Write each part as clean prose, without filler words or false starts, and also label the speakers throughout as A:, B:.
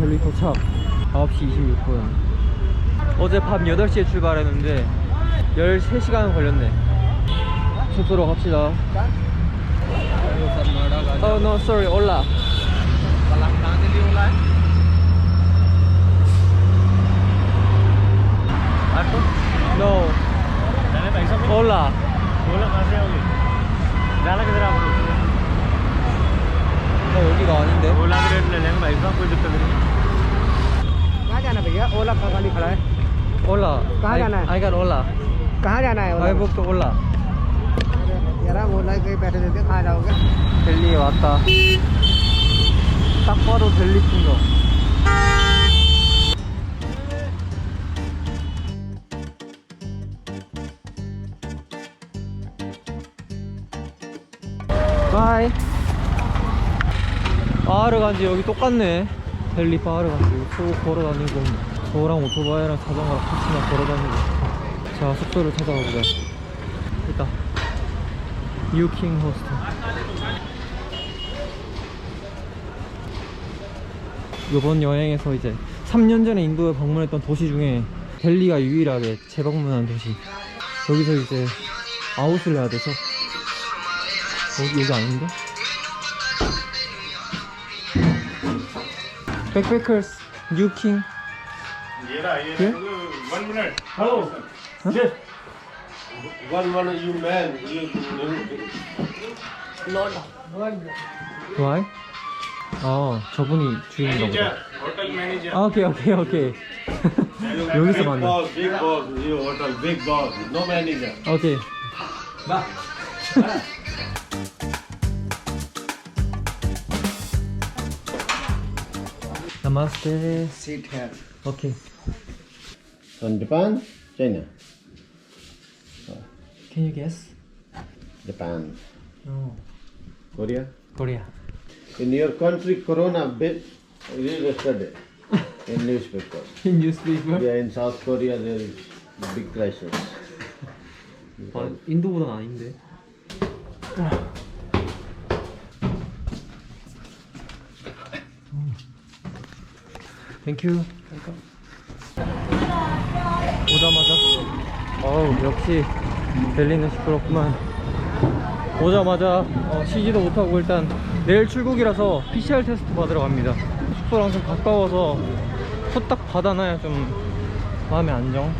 A: 델리 도착 9시 26분. 어제 밤 8시에 출발했는데 13시간 걸렸네. 숙소로 갑시다. Oh no, sorry, Ola. No. Ola. 여기가 아닌데?
B: ओला का रेट ले लेंगे भाई साहब, कोई दिक्कत नहीं।
C: कहाँ जाना भैया? ओला का गाड़ी खड़ा है।
A: Ola.
C: कहाँ जाना है?
A: I got Ola.
C: कहाँ जाना है?
A: I booked Ola.
C: यार ओला कहीं बैठे रहते कहाँ जाओगे?
A: 델리에 왔다. 딱 봐도 델리 풍경. 바이. 바하르 간지 여기 똑같네. 델리 바하르 간지 쭉 걸어다니고 저랑 오토바이랑 자전거랑 같이나 걸어다니고. 자, 숙소를 찾아가 보자. 있다. 유킹 호스텔. 이번 여행에서 이제 3년 전에 인도에 방문했던 도시 중에 델리가 유일하게 재방문한 도시. 여기서 이제 아웃을 해야 돼서 여기 아닌데? Backpackers, 유킹. Here?
B: 1 minute. Hello. Yes. One you man.
A: Why? 저분이 주인인가 보다.
B: Hotel manager.
A: 오케이. 여기서 만나.
B: Big boss. You hotel big boss. No manager.
A: 오케이. Namaste.
C: Sit here.
A: 오케이.
B: From Japan, China.
A: Can you guess?
B: Japan.
A: No.
B: Korea.
A: Korea.
B: In your country, Corona bit read yesterday in newspaper.
A: In newspaper?
B: Yeah, in South Korea there is big crisis.
A: 인도보단 아닌데. 땡큐. 오자마자 역시 델리는 시끄럽구만. 오자마자 쉬지도 못하고 일단 내일 출국이라서 PCR 테스트 받으러 갑니다. 숙소랑 좀 가까워서 후딱 받아놔야 좀 마음의 안정.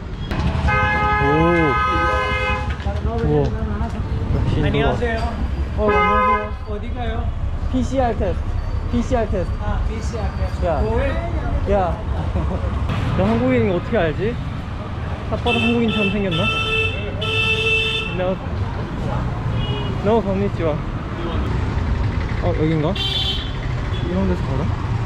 A: 우와, 역시 인도가.
C: 안녕하세요.
A: 안녕하세요.
C: 어디 가요?
A: PCR 테스트. PCR 테스트.
C: PCR test.
A: 야.
C: Covid?
A: 야, 너 한국인인 거 어떻게 알지? 딱 봐도 한국인처럼 생겼나? 너 건니치와. 여긴가? 이런 데서 걸어?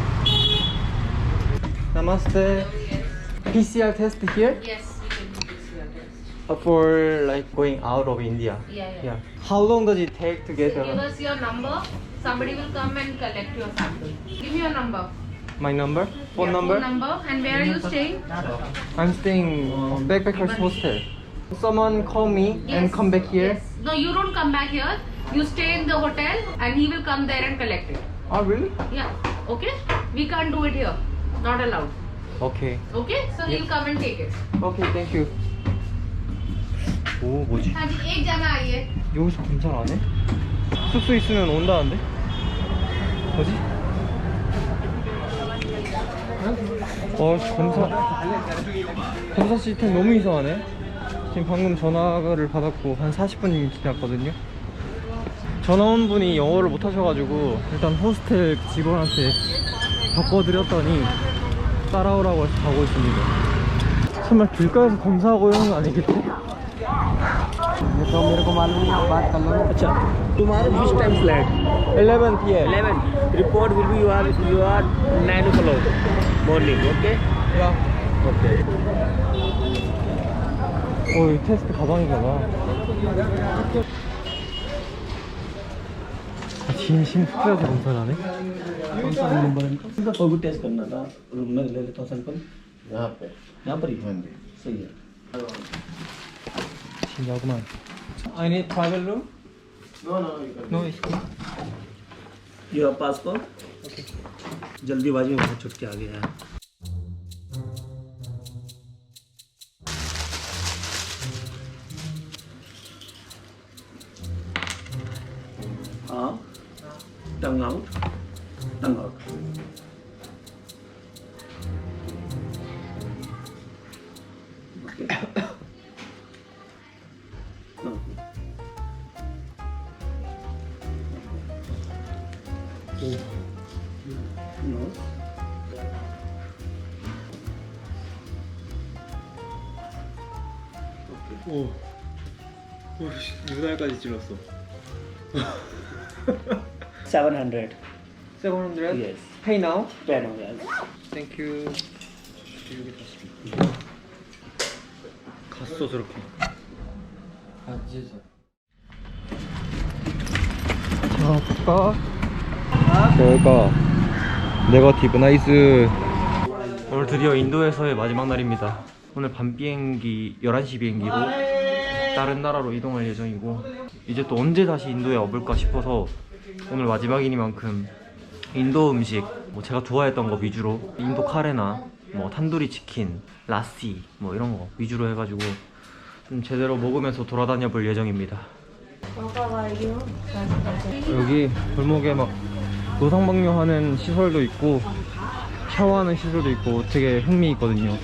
A: Namaste. PCR test here?
D: Yes, you can do PCR test.
A: For like going out of India.
D: Yeah.
A: How long does it take to get
D: Give us your number. Somebody will come and collect your sample. Give me your number.
A: my number? Phone
D: Yeah,
A: number?
D: Phone number. And where are you staying?
A: I'm staying backpackers hostel. Someone call me and come back here.
D: Yes. No, you don't come back here. You stay in the hotel and he will come there and collect it.
A: Oh really?
D: Yeah. Okay? We can't do it here. Not allowed.
A: Okay.
D: Okay? So he'll come and take it.
A: Okay, thank you. 오, 뭐지?
D: हाँ जी, एक जना आइए.
A: 여기서 검사를 안 해? 숙소 있으면 온다는데? 뭐지? 검사 시스템 너무 이상하네. 지금 방금 전화를 받았고 한 40분이 지났거든요. 전화 온 분이 영어를 못 하셔가지고 일단 호스텔 직원한테 바꿔드렸더니 따라오라고 해서 가고 있습니다. 설마 길가에서 검사하고 이런 거 아니겠지?
C: ये तो मेरे को मालूम नहीं, आप बात कर लो ना।
A: अच्छा,
C: तुम्हारे which time flight?
A: 11 p.m.
C: 11. Report will be you are 9 o'clock morning. Okay?
A: 야.
C: Okay.
A: 이 테스트 가방인가 봐. 진심 숙소에서 검사를 하네?
C: कौन सा नंबर है इनका? कोविड टेस्ट करना था, रूम में ले लेता हूँ सैंपल। यहाँ पर ही। हाँ जी, सही है।
A: 신기하구만. I need travel room?
B: No, you can.
A: No, it's cool.
C: You have passport? जल्दीबाजी में बहुत छुट के आ गया है। हाँ, tongue out, tongue out. Nose.
A: 오, 눈알까지 찔렀어.
C: 700.
A: 700?
C: Yes.
A: Pay now?
C: Pen हो गया।
A: Thank you. 갔어 저렇게. 자, 볼까? 뭘까? 네거티브 나이스. 오늘 드디어 인도에서의 마지막 날입니다. 오늘 밤 비행기 11시 비행기로 다른 나라로 이동할 예정이고, 이제 또 언제 다시 인도에 와볼까 싶어서 오늘 마지막이니만큼 인도 음식, 뭐 제가 좋아했던 거 위주로, 인도 카레나 뭐 탄두리 치킨, 라시 뭐 이런 거 위주로 해가지고 좀 제대로 먹으면서 돌아다녀 볼 예정입니다. 여기 골목에 막 노상방뇨하는 시설도 있고 샤워하는 시설도 있고 되게 흥미있거든요.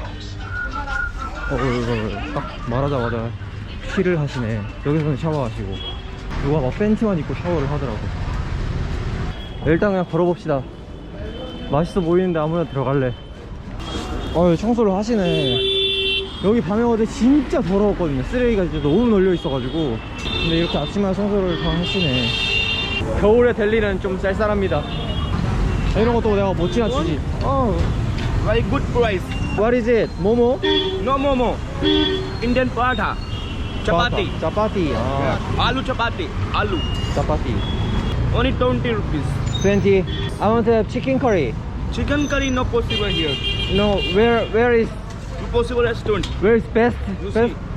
A: 이거 딱 말하자마자 쉬를 하시네. 여기서는 샤워하시고 누가 막 팬티만 입고 샤워를 하더라고. 일단 그냥 걸어봅시다. 맛있어 보이는데 아무나 들어갈래. 청소를 하시네. 여기 밤에 어제 진짜 더러웠거든요. 쓰레기가 진짜 너무 널려 있어가지고. 근데 이렇게 아침마다 청소를 다 하시네. 겨울에 델리는 좀 쌀쌀합니다. 이런 것도 내가 못 지나치지.
E: Very good price.
A: What is it? 모모?
E: No momo. Indian paratha. Chapati.
A: 짜파티.
E: Aloo chapati. Aloo.
A: 짜파티.
E: Only 20 rupees.
A: 20. I want to have chicken curry.
E: Chicken curry no possible here.
A: No, where is
E: Possible restaurant.
A: where is best
E: You
A: best
E: see.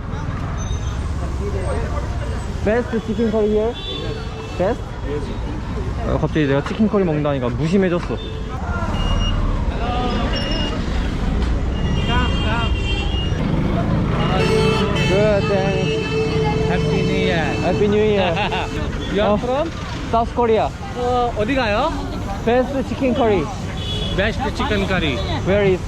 A: best chicken curry here? Best? 갑자기 내가 치킨 커리 먹는다니까 무심해졌어. Good, thanks.
E: Happy New Year.
A: Happy New Year.
E: You are from?
A: South Korea.
E: 어디 가요?
A: Best chicken curry.
E: Best chicken curry.
A: Where is?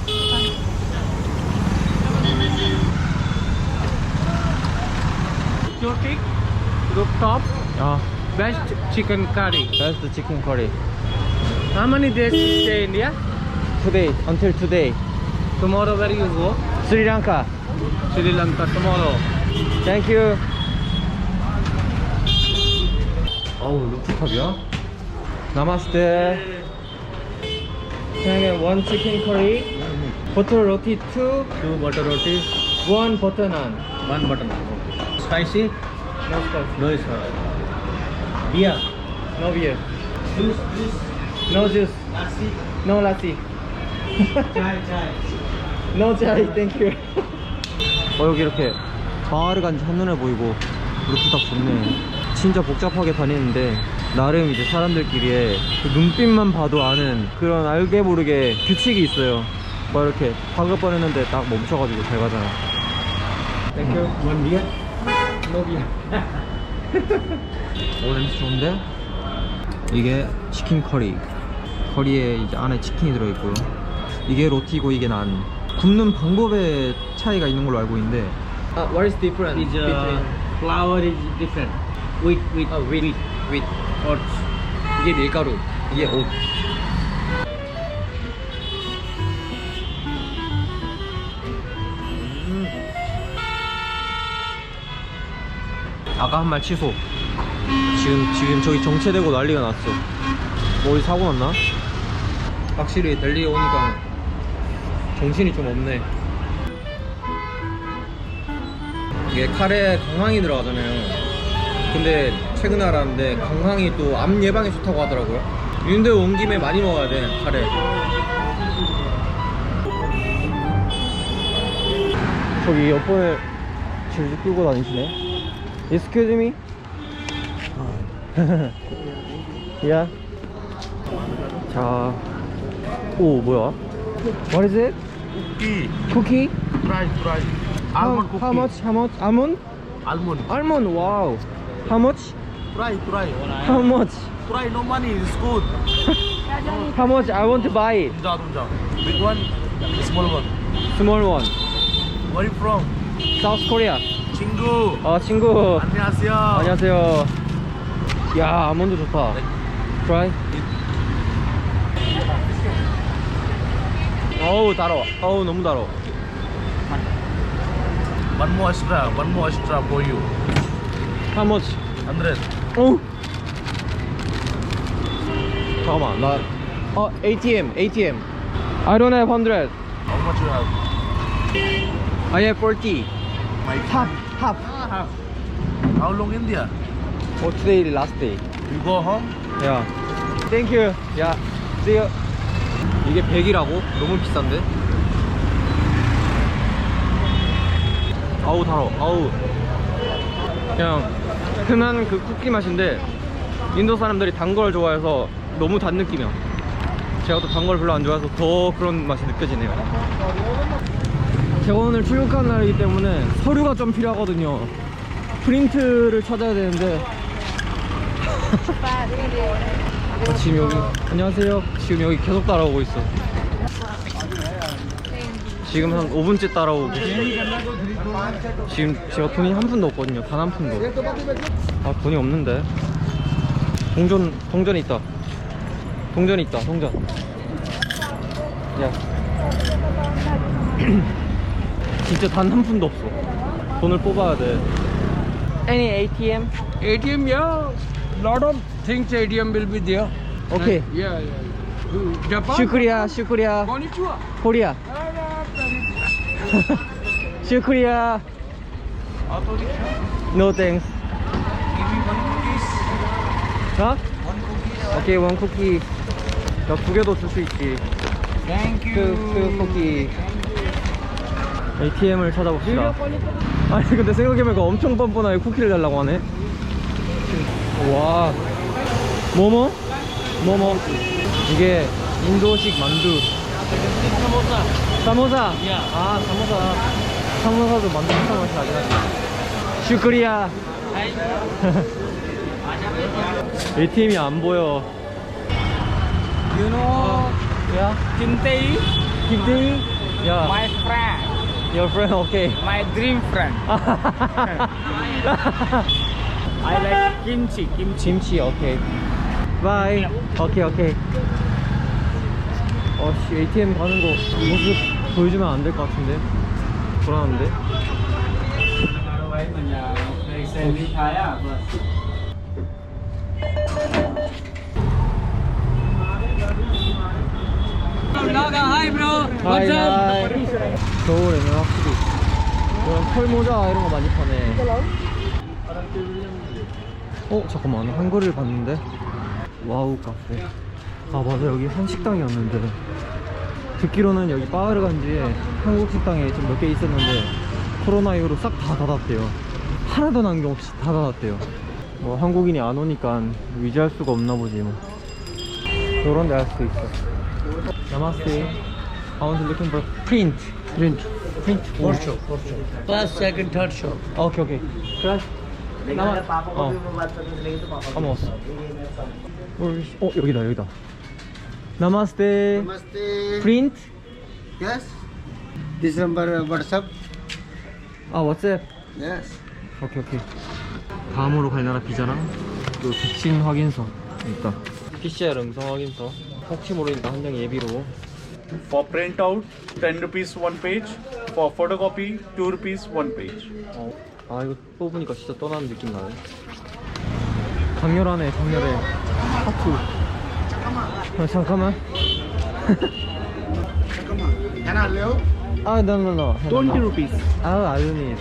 E: Chotik rooftop.
A: 아,
E: Best chicken curry.
A: best chicken curry.
E: How many days you stay in India?
A: Today, until today.
E: Tomorrow where you go?
A: Sri Lanka.
E: Sri Lanka tomorrow.
A: Thank you. 어우, 루프탑이야? 나마스테. Can I get one chicken curry? Butter roti 2,
E: 2 butter roti.
A: 1 butter naan.
E: 1 butter naan. Spicy?
A: No spicy.
E: No spicy. Beer.
A: No beer.
E: Juice.
A: No juice. No lassi. No chai, thank you. 여기 이렇게 마을을 간지 한눈에 보이고 루프탑 좋네. 진짜 복잡하게 다니는데 나름 이제 사람들끼리의 그 눈빛만 봐도 아는 그런 알게 모르게 규칙이 있어요. 막 이렇게 방긋거리는데 딱 멈춰가지고 잘 가잖아. 땡큐.
E: One beer.
A: No beer. 오, 냄새 좋은데? 이게 치킨 커리. 커리에 이제 안에 치킨이 들어있고요. 이게 로티고 이게 난. 굽는 방법에 차이가 있는 걸로 알고 있는데. What is different
E: Is flour is different. Wheat.
A: wheat.
E: Oats.
A: 이게 밀가루. 이게 옷. 아까 한 말 취소. 지금 저기 정체되고 난리가 났어. 뭐 어디 사고 났나? 확실히 델리에 오니까 정신이 좀 없네. 이게 카레에 강황이 들어가잖아요. 근데 최근에 알았는데 강황이 또 암 예방에 좋다고 하더라고요. 인도에 온 김에 많이 먹어야 돼, 카레. 저기 옆번에 질질 끌고 다니시네. Excuse me? Yeah. 자, 오 뭐야? What is it?
B: Cookie.
A: Cookie?
B: Price. Almond cookie.
A: How much? How much? Almond?
B: Almond.
A: Almond. Wow. How much?
B: Try.
A: How much?
B: Try, no money, it's good.
A: How much? I want to buy it.
B: Tunja. Big one, small one.
A: Small one.
B: Where you from?
A: South Korea.
B: 친구.
A: 친구.
B: 안녕하세요.
A: 안녕하세요. 야, 아몬드 좋다. Try. 어우, 달아. 어우, 너무 달아.
B: One more extra for you.
A: How much?
B: 100.
A: 오. 잠깐만, 나. ATM. I don't have 100.
B: How much you have?
A: I have 40.
B: My
A: Half.
B: How long India?
A: Today last day.
B: You go home?
A: 야, thank you. 야, see you. 이게 100이라고? 너무 비싼데? 아우 달아. 아우. 그냥 흔한 그 쿠키 맛인데 인도 사람들이 단 걸 좋아해서 너무 단 느낌이야. 제가 또 단 걸 별로 안 좋아해서 더 그런 맛이 느껴지네요. 제가 오늘 출국하는 날이기 때문에 서류가 좀 필요하거든요. 프린트를 찾아야 되는데 지금 여기 안녕하세요. 지금 여기 계속 따라오고 있어. 지금 한 5분째 따라오고 지금 제가 돈이 한 푼도 없거든요. 단 한 푼도. 아, 돈이 없는데. 동전이 있다. 동전. 야. 진짜 단 한 푼도 없어. 돈을 뽑아야 돼. Any ATM?
F: ATM, yeah. Lot of things ATM will be there.
A: Okay.
F: Yeah. Japan.
A: 슈크리아.
F: Konnichiwa.
A: 코리아. 슈크리아. No thanks. 어? 오케이, 원 쿠키. 나 2개도 줄 수 있지.
F: Thank
A: 그 쿠키. ATM을 찾아봅시다. 아니 근데 생각해보니까 엄청 뻔뻔하게 쿠키를 달라고 하네. 와. 뭐뭐? 이게 인도식 만두. 사모사. 아, 사모사도 만두 비슷한 맛이 나긴 하지. 슈크리아. ATM이 안 보여.
F: You know,
A: 야,
F: Kintei,
A: 야,
F: my friend,
A: your friend, okay.
F: my dream friend. I like kimchi.
A: 김치, 오케이. 바이. 오케이. 씨, ATM 가는 거 모습 보여주면 안 될 것 같은데. 불안한데.
F: Hi bro.
A: 하이. 겨울에는 확실히 이런 털모자 이런 거 많이 파네. 잠깐만, 한글을 봤는데. 와우 카페. 아 맞아, 여기 한식당이었는데 듣기로는 여기 빠르간지에 한국 식당에 좀 몇 개 있었는데 코로나 이후로 싹 다 닫았대요. 하나도 남김없이 다 닫았대요. 뭐 한국인이 안 오니까 유지할 수가 없나 보지 뭐. 요런 데 할 수도 있어. 나마스테. I want to looking for print.
E: First show. First, second, third show.
A: 오케이. 그래. 까먹었어. 여기다. 나마스테. 프린트.
G: Yes. This number WhatsApp.
A: 왓츠앱.
G: Yes.
A: 오케이. 다음으로 갈 나라 비자랑 그 백신 확인서 있다. PCR 음성 확인서. 혹시 모르니까 한 장 예비로.
H: For printout, 10 rupees one page. For photocopy, 2 rupees one page.
A: 이거 뽑으니까 진짜 떠나는 느낌 나네. 강렬하네. 하트. 잠깐만.
G: Can I hello?
A: No.
H: 20 rupees.
A: I don't need.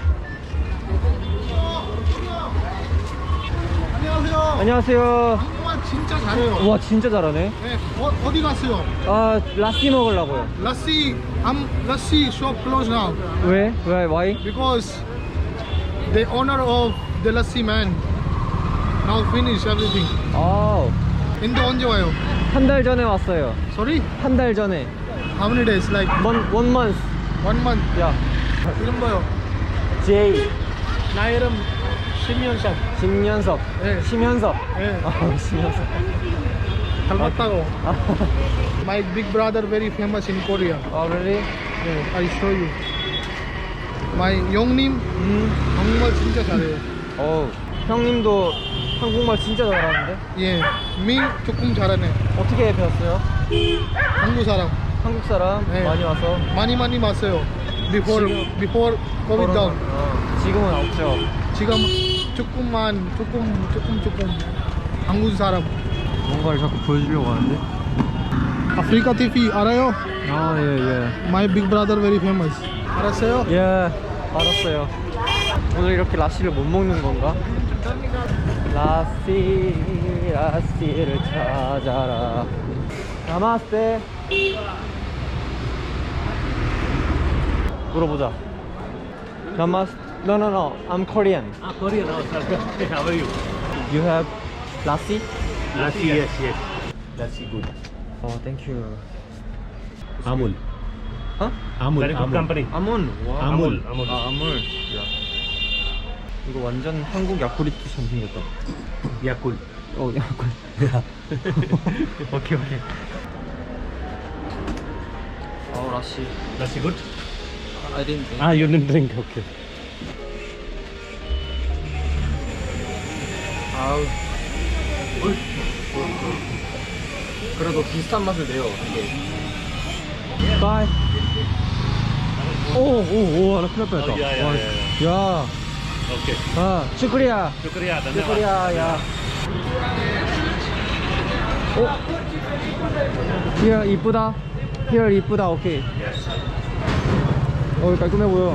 A: 안녕하세요.
G: 한국말 진짜 잘해요.
A: 와, 진짜 잘하네.
G: 네, 어디 갔어요?
A: 라시 먹으려고요.
G: Lassi shop closed now
A: 왜? Why?
G: because the owner of the lassi man now finish everything. 인도 언제 와요?
A: 한 달 전에 왔어요.
G: Sorry?
A: 한 달 전에.
G: How many days? Like
A: one month.
G: 1 month.
A: 야.
G: 이름 뭐요?
A: J.
G: 나 이름 심연석.
A: 심연석.
G: 네.
A: 심연석.
G: 네.
A: 심연석.
G: 닮았다고. My big brother very famous in Korea.
A: really?
G: 네, I show you. My 형님 정말 진짜 잘해요.
A: 형님도 한국말 진짜 잘하는데?
G: 예, 미 조금 잘하네.
A: 어떻게 배웠어요?
G: 한국 사람
A: 한국 사람
G: 네.
A: 많이 와서.
G: 많이 왔어요. Before COVID down.
A: 지금은 없죠.
G: 지금 조금 한국 사람.
A: 뭔가를 자꾸 보여주려고 하는데.
G: 아프리카 TV 알아요?
A: 예.
G: My big brother very famous. 알았어요?
A: 예, 알았어요. 오늘 이렇게 라시를 못 먹는 건가? 라시를 찾아라. 나마스테. 물어보자. 나마스. No. I'm Korean.
C: Korean also. How are you?
A: You have lassi?
C: Lassi, yes. Lassi good.
A: Oh, thank you.
C: Amul.
A: Huh?
C: Amul. Very good company.
A: 아몬. 와.
C: 아몬.
A: 아몬. 야. 이거 완전 한국 야쿠르트처럼 생겼다.
C: Yakult.
A: 야쿠르트. 오케이. 라시.
C: Lassi good?
A: I didn't drink.
C: You didn't drink. Okay.
A: 아우. 그래도 비슷한 맛을 내요. 이게. 바이. 오, 하나 큰일 날 뻔했다. 야.
C: Okay.
A: 슈크리야.
C: Shukriya.
A: 슈크리야, 야. Here 이쁘다. Here 이쁘다. 오케이. 깔끔해 보여.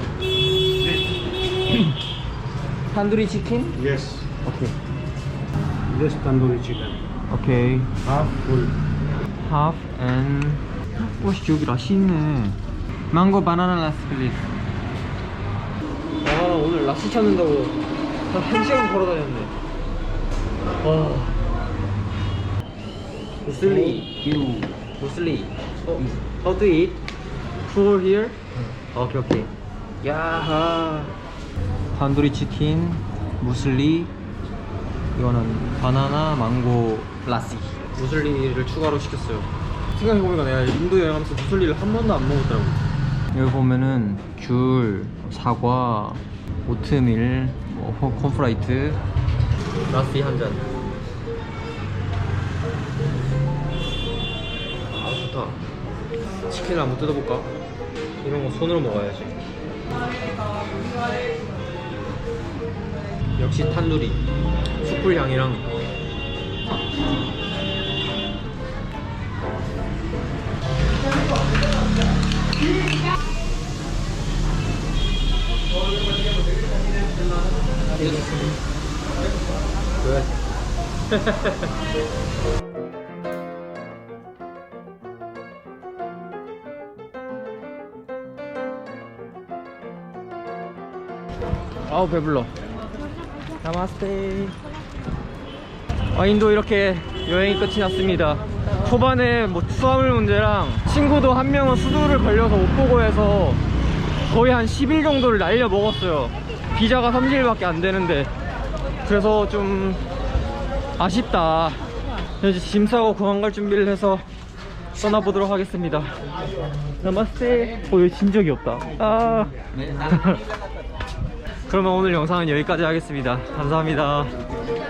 A: 탄두리 치킨?
C: Yes.
A: 오케이.
C: Just tandoori chicken.
A: 오케이.
C: Half full.
A: Half and 여기 라시 있네. 망고 바나나 라스 플리즈. 오늘 라시 찾는다고 한 1시간 걸어 다녔네. 무슬리. How to eat? Four here? 오케이. 야하. 탄두리 치킨, 무슬리. 이거는 바나나, 망고, 라시. 무슬리를 추가로 시켰어요. 생각해보니까 내가 인도 여행하면서 무슬리를 한 번도 안 먹었더라고. 여기 보면은 귤, 사과, 오트밀, 콘프라이트, 라시 한 잔. 좋다. 치킨을 한번 뜯어볼까? 이런 거 손으로 먹어야지. 역시 탄두리. 숯불 향이랑. 아우 배불러. 나마스테. 인도 이렇게 여행이 끝이 났습니다. 초반에 수화물 문제랑 친구도 한 명은 수두를 걸려서 못 보고 해서 거의 한 10일 정도를 날려 먹었어요. 비자가 30일밖에 안 되는데. 그래서 좀 아쉽다. 이제 짐 싸고 공항 갈 준비를 해서 떠나보도록 하겠습니다. 나마스테. 여기 진 적이 없다. 그러면 오늘 영상은 여기까지 하겠습니다. 감사합니다.